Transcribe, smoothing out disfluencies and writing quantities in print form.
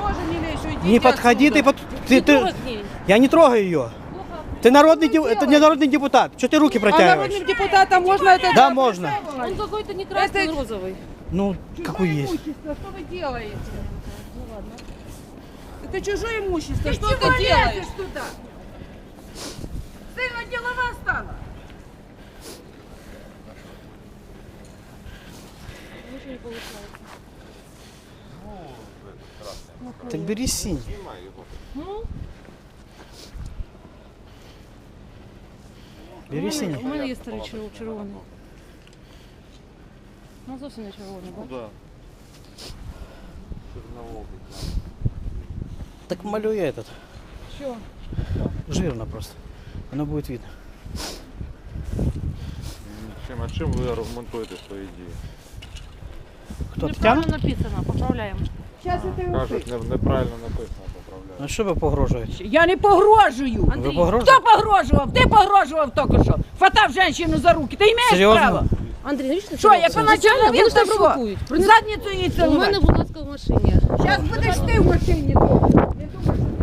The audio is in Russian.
тоже не лезь, уйдите Не подходи, отсюда. Я не трогаю ее. Ты это не народный депутат. Что ты руки А протягиваешь? народным депутатам можно это Да, делать? можно. Он какой-то не красный, розовый. Ну, какой есть. Имущество, что вы делаете? Это чужое имущество, что ты делаешь? Туда? Сильно делова стала. Так бери синь. Бери синій. У мене є старий червоний. Ну зовсім не червоний, так? Да. Черноволкий. Так малює этот. Что? Жирно просто. Оно будет видно. А чим ви аргументуєте свої дії? Хто, Тетяна? Неправильно написано, поправляємо. Сейчас это Кажуть, неправильно написано, поправляю. Ну що ви погрожуєте? Я не погрожую. Ви Хто погрожуєте? погрожував? Ти погрожував тільки що. Хватав жінку за руки. Ти маєш Серйозно? право? Андрій, навіщо Що, як вона чоловік, вони то ж що? провокують. Задницю їй У мене, цілувати. будь ласка, в машині. Зараз будеш ти в машині. Не думай, що